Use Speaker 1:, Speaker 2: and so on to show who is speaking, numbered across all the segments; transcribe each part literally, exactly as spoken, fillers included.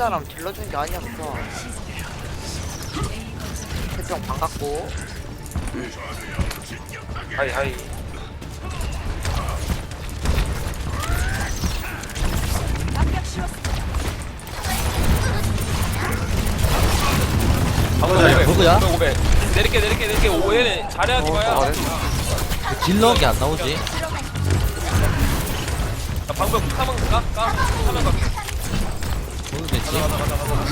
Speaker 1: 사람 질러준 게 아니었어. 태평 반갑고.
Speaker 2: 하이 하이.
Speaker 3: 누구야? 누구야?
Speaker 2: 오백. 내릴게 내릴게 내릴게. 오해는 잘해야지 봐야.
Speaker 3: 딜러 게 안 나오지?
Speaker 2: 나 방금 카면 까? 까? 카면 갈게.
Speaker 3: 모르겠지?
Speaker 2: 가자 가자 가자 가자.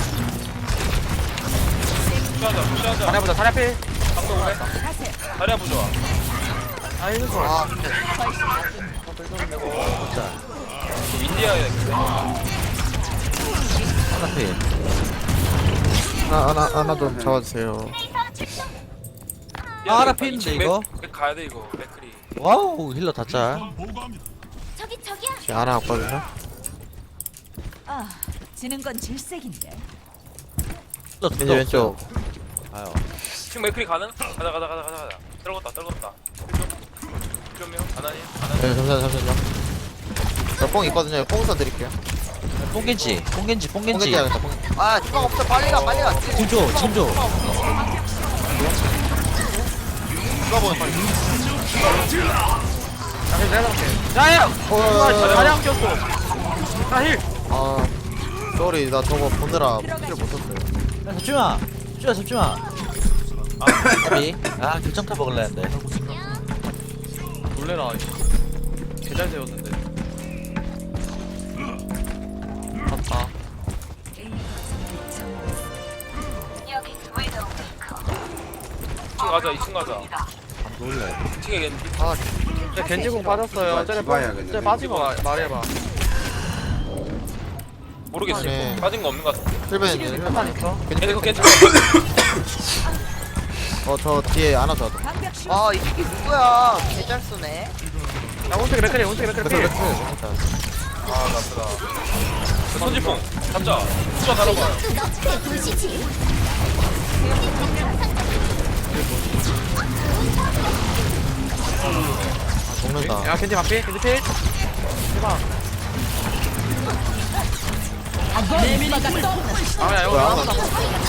Speaker 2: 푸시하자 푸시하자.
Speaker 4: 자리야보자 자리야 필.
Speaker 2: 방금 오백. 자리야 부좋아.
Speaker 4: 아 이거 좋아.
Speaker 1: 아, 근데.
Speaker 3: 진짜
Speaker 2: 윈디아야 근데.
Speaker 3: 하나 필
Speaker 5: 하나 하나 하나 좀 잡아주세요.
Speaker 3: 아, 하나 필인데, 이거?
Speaker 2: 맥 가야 돼 이거. 맥크리.
Speaker 3: 와우 힐러 다짤
Speaker 6: 저기 저기야.
Speaker 5: 지금 하나 왔거든요.
Speaker 6: 아, 지는 건 질색인데.
Speaker 3: 힐러
Speaker 5: 왼쪽 왼쪽.
Speaker 3: 아유
Speaker 2: 지금 맥크리 가능? 가자 가자 가자 가자 가자. 떨궜다 떨궜다. 좀 명. 가나니? 가나니?
Speaker 5: 네, 잠시만 잠시만요. 저뽕 있거든요. 뽕 써드릴게요.
Speaker 3: 뽕겐지 뽕겐지
Speaker 5: 뽕
Speaker 3: 뽕겐지
Speaker 5: 겐지야겠다. 뽕.
Speaker 1: 아, 주방 없어. 빨리 가, 빨리 가.
Speaker 3: 침조 침조
Speaker 2: 누가 보는 빨리.
Speaker 4: 자 내가 잡을게. 자야.
Speaker 5: 어,
Speaker 4: 자리 안 꼈어. 자 힐.
Speaker 5: 아, 쏘리 나 저거 보느라 힐을 못 썼어요.
Speaker 3: 야 잡지마 잡지마 잡지마 아비 아 결정타 먹을래 했는데
Speaker 4: 놀래라. 개잘 세웠는데. 맞다.
Speaker 2: 이 층 가자 이 층 가자.
Speaker 3: 안 놀래
Speaker 2: 이 층에 겐지.
Speaker 1: 아,
Speaker 4: 저 겐지공 빠졌어요. 쟤네
Speaker 7: 집어야겠네.
Speaker 4: 쟤 빠지고 마- 말해봐.
Speaker 2: 모르겠어.
Speaker 5: 네.
Speaker 2: 빠진 거 없는 거 같은데.
Speaker 5: 힐벤
Speaker 4: 한판 있어.
Speaker 2: 겐지 그 겐지.
Speaker 5: 어저 뒤에 하나 더. 더.
Speaker 1: 아, 이 새끼 누구야? 개잘 쓰네.
Speaker 4: 야 온색이 맥크리 온색이 맥크리 필.
Speaker 2: 아 나쁘다. 그 손지풍 잡자. 숫자 달아봐.
Speaker 6: 내 도시지.
Speaker 5: 아, 죽는다.
Speaker 4: 야 겐지 반필 겐지 필. 대박. 아야 이거
Speaker 5: 뭐야?
Speaker 4: 하나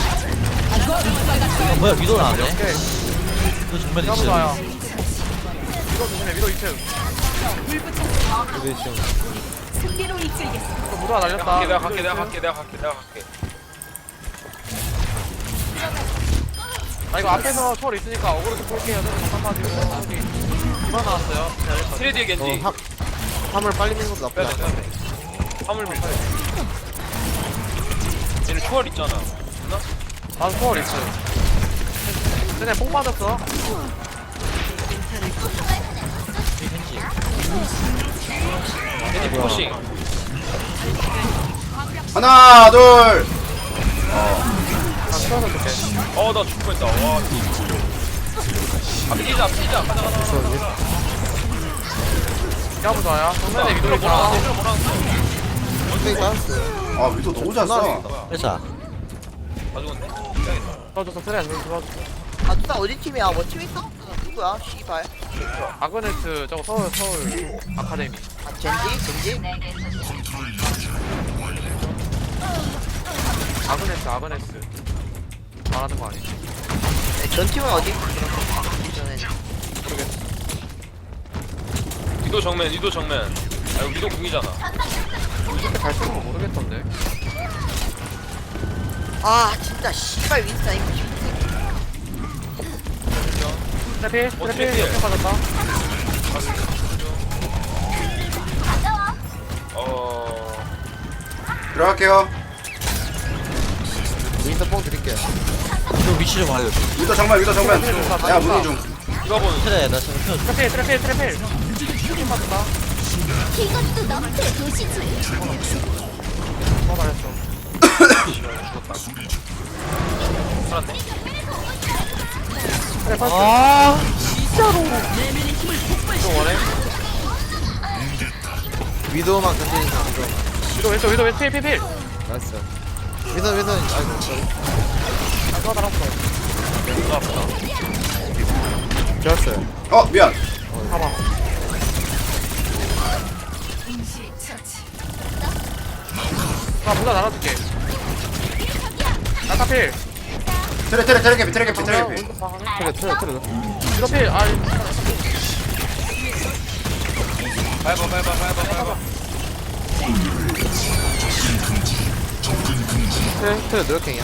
Speaker 3: 어, 뭐야 위도 나왔네
Speaker 4: 오케이.
Speaker 3: 그 정면
Speaker 4: 이거
Speaker 3: 있어
Speaker 4: 좋아요. 위도 조심해 위도 이 층.
Speaker 5: 여기 지금
Speaker 6: 승리로 이끌겠어.
Speaker 4: 또 무도가
Speaker 2: 내가
Speaker 4: 날렸다.
Speaker 2: 갈게 내가 갈게 내가 갈게 내가 갈게 내가 갈게.
Speaker 4: 아 이거 앞에서 초월 있으니까 어그로 좀 볼게요. 저기 잠깐 빠지고 여기 이번 나왔어요.
Speaker 2: 트레 뒤에 겐지.
Speaker 5: 어, 화, 화물 빨리 미는 것도 나쁘지
Speaker 2: 빼야 돼
Speaker 5: 않아.
Speaker 2: 빼야 돼. 화물 밀. 얘는 초월 있잖아. 있나?
Speaker 4: 아 초월 있어. 쟤네 뽕 맞았어.
Speaker 3: 겐지
Speaker 2: 겐지 포싱.
Speaker 7: 하나 둘.
Speaker 4: 아 추워서 줄게.
Speaker 2: 어나 죽을 뻔했다. 와. 아 피자 피자 가자 가자. 가자.
Speaker 4: 야부 좋아요. 정면에 위도
Speaker 2: 이거 뭐라
Speaker 4: 있다.
Speaker 2: 하는데? 이거 뭐라 하는데?
Speaker 5: 원숭이 따였어요.
Speaker 7: 아 위도 너무 잘 써.
Speaker 3: 회사
Speaker 2: 다 죽었네? 해야겠다.
Speaker 4: 도와줬어 그래 도와줬어.
Speaker 1: 아, 누나 어디 팀이야? 뭐 팀 있어? 누구야? 씨발.
Speaker 4: 아그네스 저거 서울 서울 아카데미.
Speaker 1: 아, 젠지? 젠지?
Speaker 4: 아그네스 아그네스. 말하는 거 아니지?
Speaker 1: 네, 전 팀은 어디 있어? 저는.
Speaker 2: 위도 정면 위도 정면. 아 이거 위도 궁이잖아.
Speaker 4: 이렇게 잘 쓰는 거 모르겠던데.
Speaker 1: 아, 진짜 씨발 윈스타 이거 힘들어.
Speaker 4: 트래필
Speaker 2: 어,
Speaker 4: 트래필
Speaker 2: 트래필.
Speaker 4: 역행 받았다.
Speaker 2: 어.
Speaker 7: 들어갈게요.
Speaker 5: 윈터 뽕 드릴게요.
Speaker 3: 위도 위치 좀 알려줘
Speaker 7: 위도 정면 위도 정면. 야 문의 중.
Speaker 2: 이거 보는.
Speaker 3: 그래 나 지금 펴
Speaker 4: 트래필 트래필 트래필. 역행 받았다.
Speaker 6: 이것도 너의 도시지.
Speaker 4: 어 말했어.
Speaker 2: 살았네.
Speaker 4: 트래 파스.
Speaker 3: 아
Speaker 4: 또 원해?
Speaker 5: 위도만 견디는 사람 위도.
Speaker 4: 위도 왼쪽 위도 왼쪽 필 필 필.
Speaker 5: 나이스. 위도 위도 아이고 쏘리.
Speaker 4: 아 좋아 달았어.
Speaker 2: 이거 아프다.
Speaker 5: 좋았어요.
Speaker 7: 어 미안.
Speaker 4: 봐봐. 나 문화 날아줄게. 야타필
Speaker 7: 트레 트레 트레 개피 트레 개피 트레 개피.
Speaker 5: 트레 트레 트레
Speaker 4: 야타필 아
Speaker 2: 밟아 밟아 밟아 밟아.
Speaker 5: 트레 트레 노력행이야.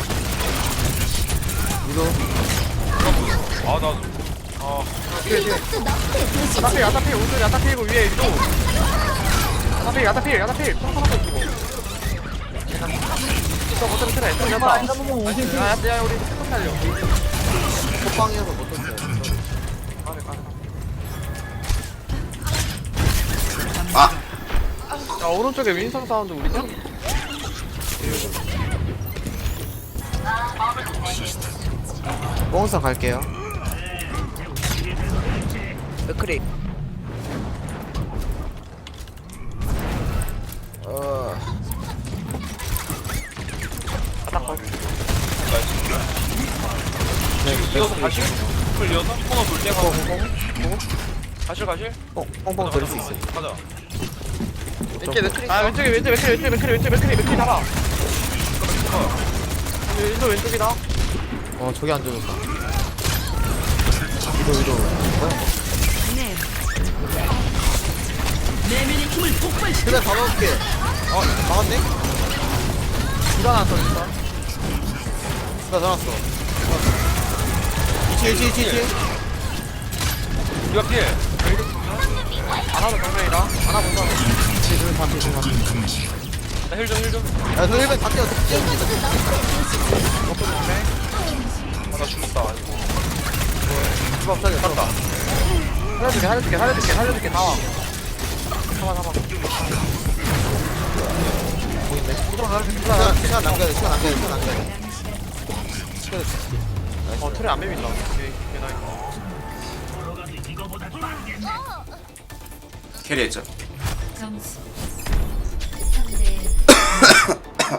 Speaker 5: 위도
Speaker 2: 아 나도. 아
Speaker 6: 이것도 너프의 도시지.
Speaker 4: 야타필 야타필 오른쪽 야타필이고 위에 위도 야타필 야타필 야타필 똥하고 있고 저 버튼 트레 좀 잡아 야야 우리 스톱 살려
Speaker 5: 호빵이어서 못 떴어요.
Speaker 7: 아
Speaker 4: 야 오른쪽에 윈성 사운드 우리죠?
Speaker 5: 뽕선 갈게요.
Speaker 1: 맥크리.
Speaker 5: 어
Speaker 2: 이어서 가실? 풀 이어서? 코너 돌 때가 가실 가실?
Speaker 5: 뽕 뽕뽕 돌릴 수 있어.
Speaker 2: 가자.
Speaker 1: 왼쪽 맥크리
Speaker 4: 아
Speaker 1: 있어.
Speaker 4: 왼쪽에 왼쪽 맥크리 왼쪽에 맥크리 왼쪽에 맥크리 맥크리 잡아 윈도 왼쪽이다
Speaker 5: 어 저기 안 좋았다. 위도 위도. 그래 다 먹을게. 어 막았네?
Speaker 4: 누가 나왔어 진짜
Speaker 5: 나 잡았어. 이치 이치 이치 이치.
Speaker 2: 이거 필.
Speaker 4: 하나도 정면이다 하나 본다
Speaker 5: 이치 둘 반피 둘 반피.
Speaker 2: 나힐 좀 힐 좀.
Speaker 5: 야저 일벤 다 뛰어. 뛰어
Speaker 2: 아, 나 죽었다. 아이고.
Speaker 5: 뛰어. 살려 살았다.
Speaker 4: 살려줄게 살려줄게 살려줄게 살려줄게 나와 잡아 잡아
Speaker 5: 보이네. 시간 시간 남겨야 돼. 시간 남겨야 돼. 시간 남겨야 돼.
Speaker 4: 어 틀에 안 비빈다 오케이 개나이다
Speaker 7: 캐리했죠.
Speaker 6: 점수 삼 대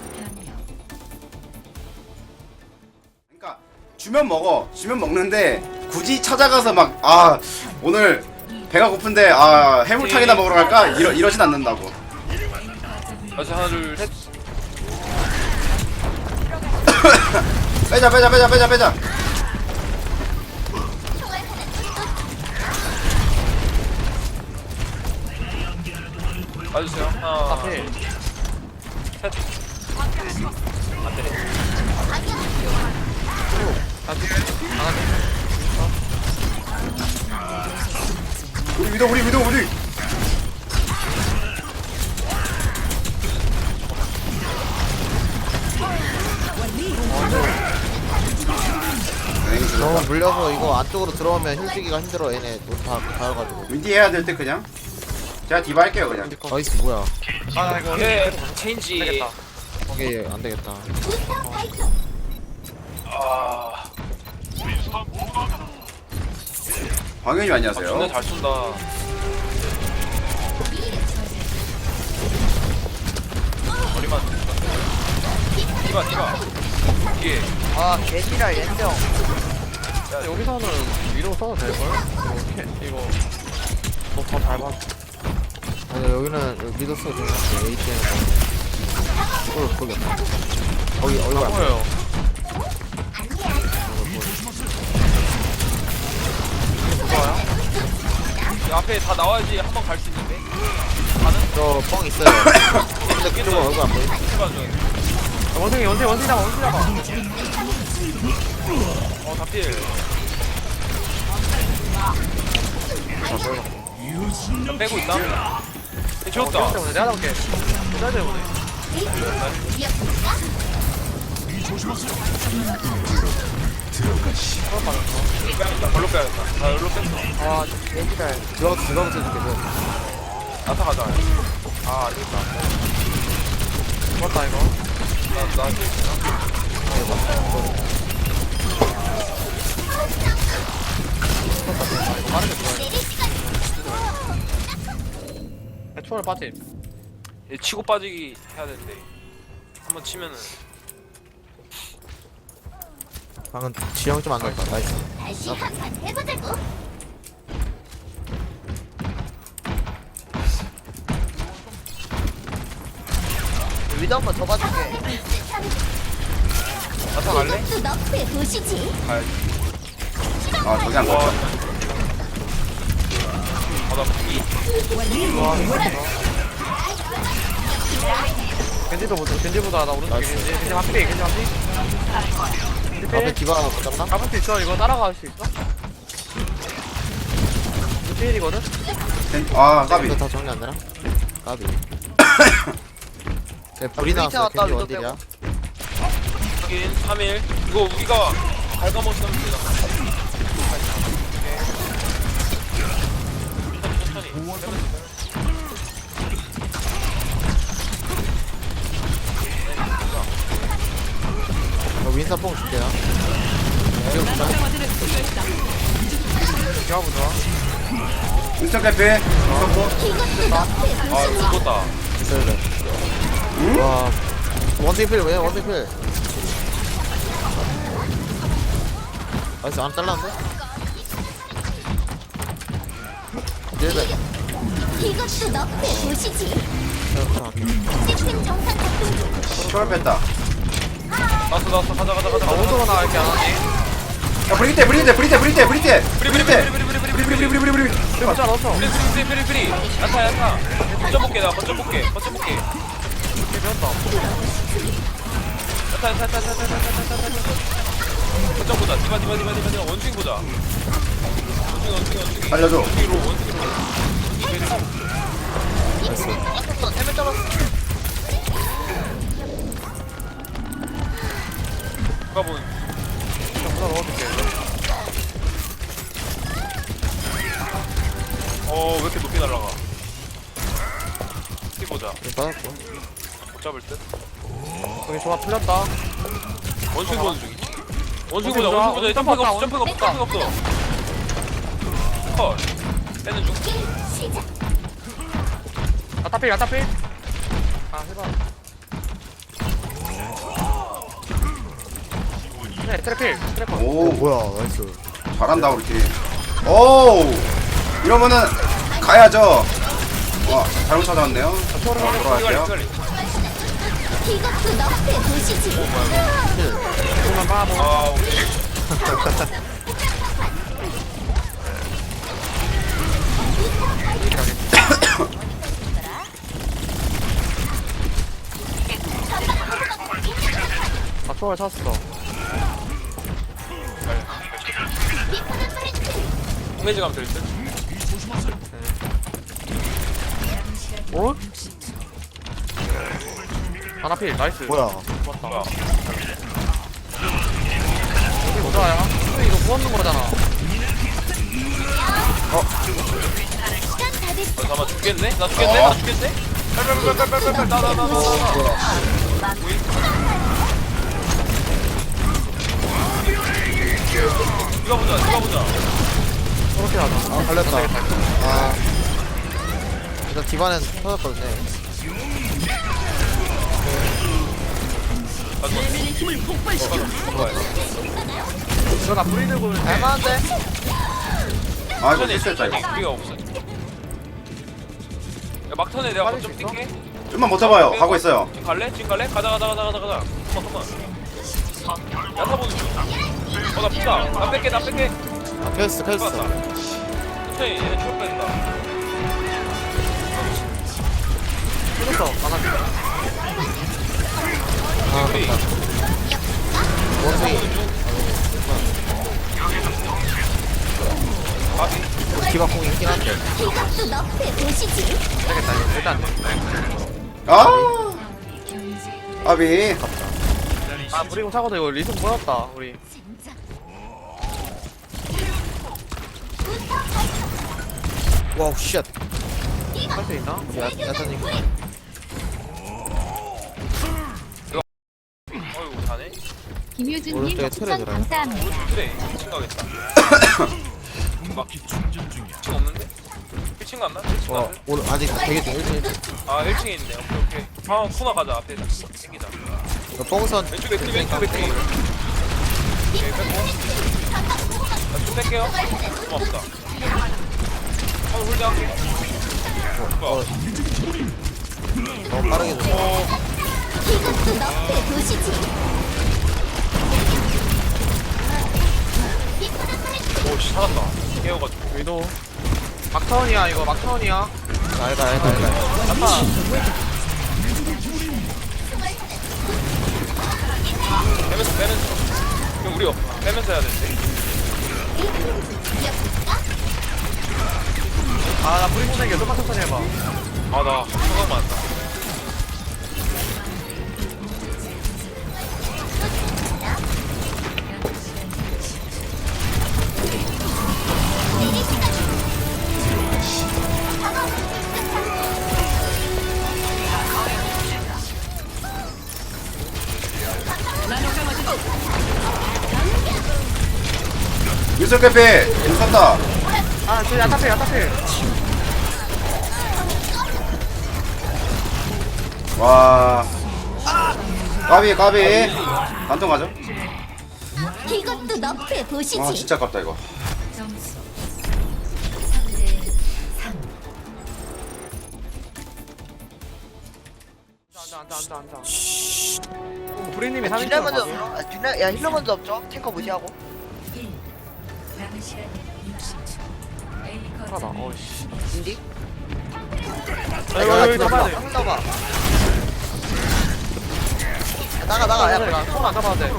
Speaker 7: 그러니까 주면 먹어. 주면 먹는데 굳이 찾아가서 막 아 오늘 배가 고픈데 아 해물탕이나 먹으러 갈까 이러 이러진 않는다고.
Speaker 2: 다시 하나 둘 셋.
Speaker 7: 빼자 빼자 빼자 빼자 빼자.
Speaker 2: 봐주세요. 하나.
Speaker 4: 앞에
Speaker 2: 셋. 안 되네.
Speaker 7: 우리 위도 우리 위도 우리.
Speaker 5: 너무 물려서 이거 안쪽으로 들어오면 힐지기가 힘들어. 얘네 다 다여가지고.
Speaker 7: 윈디 해야 될 때 그냥 제가 디바 할게요 그냥.
Speaker 5: 나이스 뭐야?
Speaker 4: 아나 이거
Speaker 2: 오케이. 체인지.
Speaker 4: 되겠다
Speaker 5: 거기 안 되겠다.
Speaker 2: 아.
Speaker 7: 광현님
Speaker 2: 아,
Speaker 7: 안녕하세요.
Speaker 2: 존나 잘 쏜다. 머리만. 디바 디바. 이게
Speaker 1: 아 개지랄 연정.
Speaker 4: 근데 여기서는 위로 써도 될걸? 이거 캐- 이거 뭐더 밟아
Speaker 5: 아니 여기는 여기 미드 쓰고 좀 할게. 에이티엠. 거기 거기 거기 어이구 안
Speaker 4: 보여요
Speaker 2: 이 앞에 다 나와야지 한 번 갈 수 있는데. 가는?
Speaker 5: 저뻥 있어요. 근데 그쪽은 얼굴 안 보여.
Speaker 2: 해봐 좀.
Speaker 4: 원숭이 원숭이 원숭이 잡아 원숭이 잡아
Speaker 2: 어 다필. 나 빼고 있다. 네, 지웠다.
Speaker 4: 어, 때문에 내가 잡을게 내가 때문에
Speaker 2: 나 별로 빼야겠다. 나 별로 뺐어.
Speaker 1: 아 개지랄.
Speaker 5: 들어가서 들어가서 해줄게. 저.
Speaker 2: 나타 가자. 아 안되겠다.
Speaker 4: 죽었다 이거
Speaker 2: 나나
Speaker 4: 빠르게 들어야 돼 초월 빠짐
Speaker 2: 얘 치고 빠지기 해야 되는데 한번 치면은
Speaker 5: 방금 지형 좀 안 났다. 나이스.
Speaker 6: 다시 한판 해보자고.
Speaker 1: 위도 한번 더 봐줄게.
Speaker 2: 나타 갈래?
Speaker 6: 이것도 너프의 도시지.
Speaker 2: 가야지.
Speaker 7: 아 저기 안
Speaker 2: 와.
Speaker 7: 갔다.
Speaker 2: 아나 이
Speaker 4: 겐지도 보자. 겐지보다 나 오른쪽에 겐지. 겐지 한피. 겐지 한피. 겐지
Speaker 5: 앞에
Speaker 4: 필.
Speaker 5: 디바 못 잡나?
Speaker 4: 잡을 수 있어. 이거 따라갈 수 있어? 이거 필이거든?
Speaker 7: 아 까비.
Speaker 5: 이거 다 정리 안 되나? 까비. 네, 불이 나왔어.
Speaker 1: 왔다,
Speaker 5: 겐지
Speaker 1: 위도
Speaker 5: 원딜이야.
Speaker 2: 확인 삼 일. 이거 우리가 갉아먹으면 되나? 천천히 천천히.
Speaker 5: 저 윈선 뽕 줄게요. 지금 보자.
Speaker 4: 기어보자.
Speaker 7: 인스턴 캐피.
Speaker 6: 이것도 너프의
Speaker 2: 아
Speaker 6: 도시지.
Speaker 2: 죽었다.
Speaker 5: 있어야 돼. 와. 원딜 필, 왜 원딜 필? 나이스, 안 잘랐는데? 딜백.
Speaker 6: 이것도 너프의 도시지.
Speaker 5: 자, 갈게.
Speaker 6: 시스템 정상 작동 중.
Speaker 7: 초월 뺐다.
Speaker 2: 나왔어 나왔어 가자 가자 가자.
Speaker 4: 아, 오도가 나 이렇게 안 하니?
Speaker 7: 야 브리테 브리테 브리테 브리테 브리테
Speaker 2: 브리 브리 브리 브리 브리 브리 브리
Speaker 7: 브리 브리 브리 브리.
Speaker 4: 진짜 넣었어.
Speaker 2: 브리 브리 브리 브리. 야타 야타. 거점 볼게 나 거점 볼게 거점 볼게.
Speaker 4: 이렇게 배웠다.
Speaker 2: 야타 야타 야타 야타 야타 야타 야타. 거점 보자. 디바 디바 디바 디바 디바 원숭이 보자. 원숭이 원숭이 원숭이.
Speaker 7: 알려줘.
Speaker 2: 원숭이로 원숭이로.
Speaker 1: 해면 떨었어.
Speaker 2: 누가 보는?
Speaker 4: 보다 넣어줄게.
Speaker 2: 어왜 이렇게 높이 날아가? 티 보자.
Speaker 5: 이거 받았고.
Speaker 2: 못 잡을 듯.
Speaker 4: 여기 조합 풀렸다.
Speaker 2: 원숭이 보는 중이지. 원숭이
Speaker 4: 원숭이
Speaker 2: 보자.
Speaker 4: 보자.
Speaker 2: 원숭이 보자. 점프가 없어. 점프가 없어. 점프가 없어. 컷. 빼는 중.
Speaker 6: 시작.
Speaker 4: 아타필, 아타필. 아, 해봐. 네, 트래필, 트래커.
Speaker 7: 오
Speaker 5: 뭐야, 나이스.
Speaker 7: 잘한다 우리 팀. 오 이러면은 가야죠. 와 잘못 찾아왔네요.
Speaker 2: 이갈리
Speaker 7: 돌아갈게요.
Speaker 2: 이갈리.
Speaker 6: 이것도 너프의 도시지.
Speaker 4: 조금만 봐, 뭐.
Speaker 2: 아 오케이.
Speaker 4: 아, 초월 찼어.
Speaker 2: 공매지 가면 될 듯.
Speaker 4: 어? 하나필, 나이스.
Speaker 5: 뭐야.
Speaker 4: 좋았다.
Speaker 2: 뭐야?
Speaker 4: 여기 보자야. 이거 부었는 거잖아.
Speaker 6: 시간 다 됐어.
Speaker 2: 어, 잠깐만 죽겠네? 나 죽겠네? 나 죽겠네? 빨빨빨빨빨빨빨 나나나나 누가 보자 누가 보자.
Speaker 4: 저렇게 하자.
Speaker 5: 아, 걸렸다. 아. 일단 디바는 터졌거든요.
Speaker 4: 이거 나 뿌리 들고 있는데.
Speaker 1: 할만한데?
Speaker 7: 아 이거
Speaker 2: 천천히
Speaker 7: 실수했다
Speaker 2: 천천히
Speaker 7: 이거.
Speaker 2: 우리가 없어. 야 막턴에 내가 거점 뛸게.
Speaker 7: 좀만 못 잡아요. 가고 있어요.
Speaker 2: 지금 갈래? 지금 갈래? 가자 가자 가자 가자 가자. 잠깐만 잠깐만. 야타 보는 중. 어나 푼다. 나 뺄게 나 뺄게.
Speaker 5: 아, 켰어, 켰어.
Speaker 2: 천천히 얘네 추월 뺀다.
Speaker 4: 끊었어. 하나필.
Speaker 5: 아,
Speaker 2: 우리
Speaker 5: 원숭이.
Speaker 2: 아비
Speaker 5: 우리 디바 뽕이 있긴 한데.
Speaker 6: 이것도 너프의 도시지.
Speaker 4: 되겠다, 이거. 일단.
Speaker 7: 아 아비.
Speaker 4: 아, 뿌리고 차고도 이거 리듬 보였다, 우리.
Speaker 6: 진짜.
Speaker 5: 와우, 쉣.
Speaker 4: 할 수 있나?
Speaker 5: 야, 야타님.
Speaker 2: 어이구 자네?
Speaker 6: 김효준님
Speaker 5: 오른쪽에 틀에
Speaker 6: 추천
Speaker 5: 들어요.
Speaker 6: 감사합니다.
Speaker 2: 그래 일 층 가겠다. 막 일 층 없는데? 일 층 갔나? 일 층
Speaker 5: 와,
Speaker 2: 갔나?
Speaker 5: 오늘 아직 되게 좀 일찍.
Speaker 2: 아 일 층에 있네. 오케이 오케이. 아 코너 가자 앞에 땡기자.
Speaker 5: 이거 뽕선.
Speaker 2: 왼쪽 맥크리 왼쪽 맥크리. 오케이 뺐고. 나좀 뺄게요. 고맙다. 한번 홀드할게.
Speaker 5: 어,
Speaker 2: 뭐야?
Speaker 5: 너무 빠르게 좀.
Speaker 2: 어
Speaker 6: 이것도 너프의 도시지.
Speaker 2: 살았다. 깨워가지고.
Speaker 4: 위도 막타운이야 이거 막타운이야.
Speaker 3: 알가 알가 알가.
Speaker 2: 야타. 빼면서 빼면서. 그럼 우리 빼면서 해야 되는데.
Speaker 4: 아나 브리 보내기 좀만 천천히 해봐.
Speaker 2: 아나 생각 많다.
Speaker 7: 유석 캐피 인쳤다.
Speaker 4: 아저 야타필 야타필.
Speaker 7: 와 까비 까비 반통 가죠?
Speaker 6: 이것도 너프에 보시지.
Speaker 7: 와 진짜 아깝다 이거.
Speaker 6: 점수 삼 대 삼.
Speaker 4: 앉아 앉아 앉아 앉아. 브리님이 삼
Speaker 1: 딜러
Speaker 4: 인칭
Speaker 1: 먼저
Speaker 4: 가세요?
Speaker 1: 아, 딜러 야 힐러 먼저 없죠? 탱커 무시하고.
Speaker 4: 하다. 어이씨.
Speaker 1: 인디?
Speaker 4: 아, 이거 여기 잡아야 돼.
Speaker 1: 한번 더봐. 나가 나가 야
Speaker 4: 야, 손안 잡아도 돼.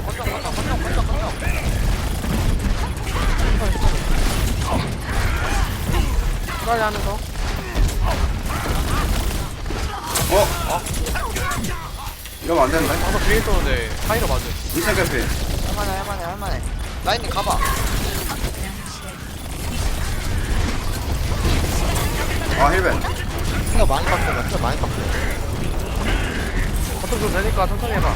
Speaker 4: 빨리 하면서.
Speaker 7: 어? 이러면 안 되는데?
Speaker 4: 방금 뒤에 있었는데 카이로 맞아.
Speaker 7: 유석 캐피.
Speaker 1: 할만해 할만해 할만해. 라인님 가봐.
Speaker 7: 아 힐벤.
Speaker 3: 피가 많이 깎여. 피가 많이 깎여.
Speaker 4: 버튼 좀 되니까 천천히 해봐.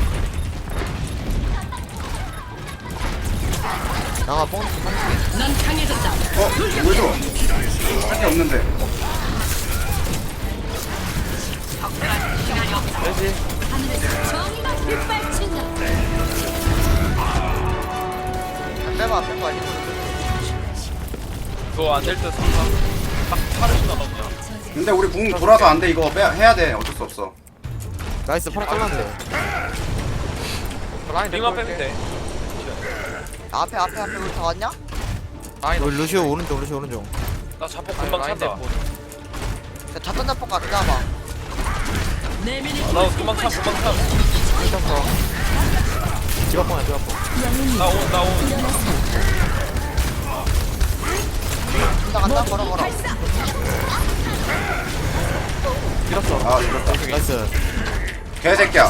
Speaker 3: 나가 뽕.
Speaker 7: 어? 왜 줘? 할 게 없는데.
Speaker 4: 되지.
Speaker 6: 정의가 빗발친다.
Speaker 1: 안 빼봐 안 빼봐 아니고.
Speaker 2: 그거 안 될 때 상상 딱 파르시 나가냐.
Speaker 7: 근데 우리 궁 돌아서 안 돼 이거 빼 해야 돼 어쩔 수 없어.
Speaker 3: 나이스 파라 잘랐는데.
Speaker 4: 라인
Speaker 2: 링만
Speaker 4: 내고
Speaker 2: 빼면 돼.
Speaker 1: 앞에 앞에 앞에 우리 다 왔냐?
Speaker 4: 라인
Speaker 3: 우리 루시오 오른쪽 루시오 오른쪽.
Speaker 2: 나 자폭
Speaker 4: 아니,
Speaker 2: 금방
Speaker 4: 라인
Speaker 2: 찬다.
Speaker 4: 내고.
Speaker 1: 자 자탄 잡폭 가 기다려봐.
Speaker 2: 아, 나 금방 참 금방 참.
Speaker 3: 미쳤어. 집앞봉이야 집앞봉.
Speaker 2: 나온 나온.
Speaker 1: 간다 간다 걸어 걸어.
Speaker 4: 밀었어.
Speaker 7: 아 죽었다.
Speaker 3: 나이스.
Speaker 7: 개새끼야.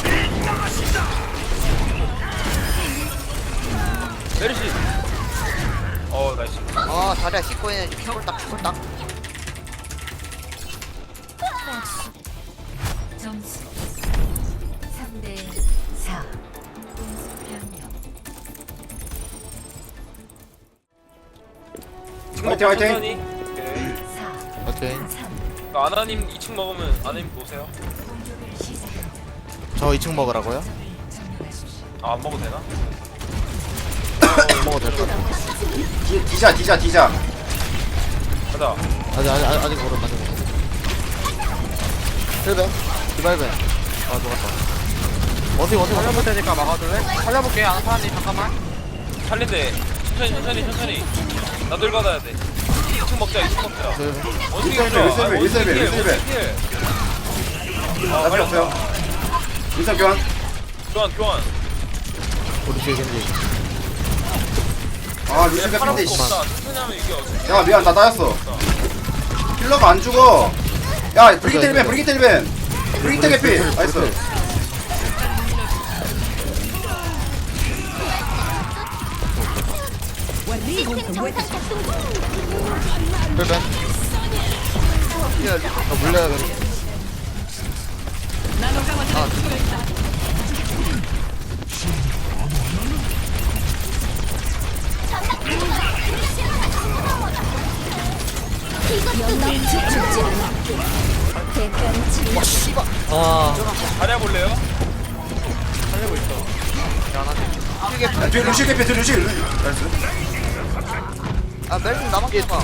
Speaker 2: 메르시. 어 나이스.
Speaker 1: 아 다리야 씻고 있는 피골딱 피골딱.
Speaker 6: 점수 삼 대 사. 공수 변경.
Speaker 7: 화이팅, 화이팅.
Speaker 2: 천천히. 오케이.
Speaker 6: 사.
Speaker 3: 오케이.
Speaker 6: 삼.
Speaker 2: 그 아나님 이 층 먹으면 아나님 보세요.
Speaker 6: 공격을 시작합니다.
Speaker 3: 저 이 층 먹으라고요?
Speaker 6: 점령하십시오.
Speaker 2: 아, 안 먹어도 되나?
Speaker 3: 안 먹어도 될 것 같아.
Speaker 7: 디, 디자 디자 디자.
Speaker 2: 가자.
Speaker 3: 아직 아직 아직 아직 모르 아직 모르. 힐벤. 디바이벤. 아 좋았다. 어디 어디
Speaker 4: 살려볼 테니까 막아줄래? 살려볼게. 안 사람님 잠깐만.
Speaker 2: 살린대. 천천히 천천히 천천히. 나들 받아야 돼. 이 층 먹자 이 층 먹자. 원숭이
Speaker 7: 일세벨,
Speaker 2: 보자.
Speaker 7: 일세벨,
Speaker 2: 아,
Speaker 7: 일세벨,
Speaker 2: 원숭이
Speaker 7: 일세벨.
Speaker 2: 원숭이. 아,
Speaker 7: 나 필요 없어요. 인상 교환.
Speaker 2: 교환 교환.
Speaker 3: 우리 뒤에 겐지.
Speaker 7: 아 루시
Speaker 2: 그냥 팔아먹고
Speaker 7: 캐피인데 씨.
Speaker 2: 없다. 천천히 하면 이게 어떻게?
Speaker 7: 야 미안 다 따였어. 킬러가 안 죽어. 야 브리기트 힐벤 브리기트 힐벤. 브리기트 캐피. 나이스.
Speaker 3: 힐벤. 아 물려야 돼.
Speaker 6: 이것도 너프에 주지 않게. 대가를 치르.
Speaker 3: 아.
Speaker 2: 자리 볼래요?
Speaker 4: 살리고 있어. 미안하지.
Speaker 7: 야, 뒤에 루시 캐피 뒤에 루시. 나이스.
Speaker 1: 아 멜슨 나만 깨봐.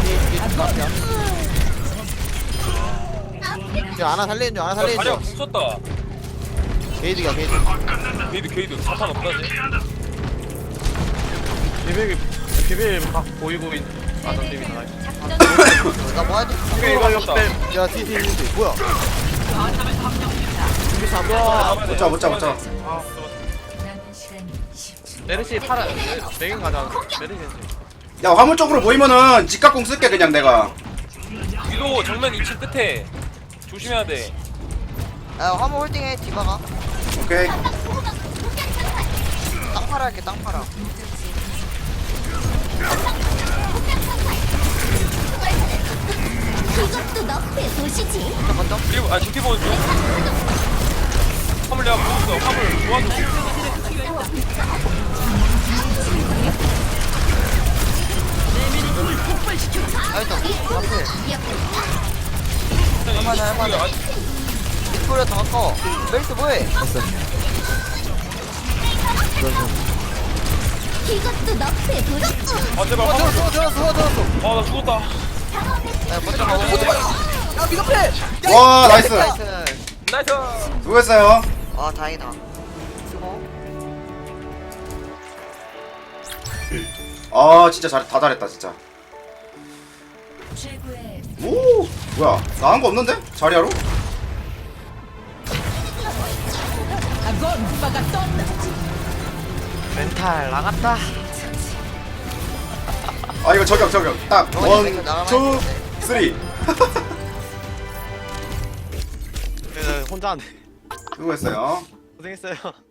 Speaker 3: 저 하나 살리는 중 하나
Speaker 2: 야,
Speaker 3: 살리는
Speaker 2: 자리가
Speaker 3: 중.
Speaker 2: 궁 쳤다.
Speaker 3: 게이드가 게이드.
Speaker 2: 게이드 게이드 사탄 없다지.
Speaker 4: 비빌 비빌 막 보이고 있. 아나 재밌다 나이스.
Speaker 1: 나 뭐야 돼?
Speaker 2: 오케이 이거 어렵다
Speaker 4: 야 뒤에 뒤에 있는데 뭐야
Speaker 7: 못자 못자 못자.
Speaker 6: 남은 시간 십 초.
Speaker 4: 메르시 팔아 메인 가자 메르시
Speaker 7: 야 화물 쪽으로 모이면은 직각공 쓸게 그냥 내가.
Speaker 2: 위도 정면 이 층 끝에 조심해야 돼
Speaker 1: 야 화물 홀딩해 디바가.
Speaker 7: 오케이.
Speaker 1: 땅 팔아 할게 땅 팔아.
Speaker 6: 이것도 너의 도시지.
Speaker 1: 먼저 먼저.
Speaker 2: 그리고 아 지키 보는 중 화물 내가 보고 있어 화물 도와줘
Speaker 1: 나이스. 앞에.
Speaker 2: 할만해
Speaker 1: 할만해. 빅토리아 더 아까워. 멜스 뭐해?
Speaker 6: 이것도 너의 도시지.
Speaker 2: 아 제발
Speaker 1: 어
Speaker 2: 화물
Speaker 1: 들었어 들었어 들었어.
Speaker 2: 아나 죽었다
Speaker 1: 야 먼저 가고. 야 미드패.
Speaker 7: 와 나이스.
Speaker 1: 나이스.
Speaker 2: 나이스
Speaker 7: 수고했어요.
Speaker 1: 아 다행이다. 수고.
Speaker 7: 아 진짜 잘 다 잘했다 진짜.
Speaker 6: 최고의
Speaker 7: 오 뭐야 나 한 거 없는데 자리하러?
Speaker 4: 멘탈 나갔다
Speaker 7: 아 이거 저격 저격 딱
Speaker 1: 어,
Speaker 7: 원,
Speaker 1: 이거 나가면
Speaker 7: 투,
Speaker 1: 되는데.
Speaker 7: 쓰리.
Speaker 4: 네, 혼자 안 돼.
Speaker 7: 수고했어요.
Speaker 4: 고생했어요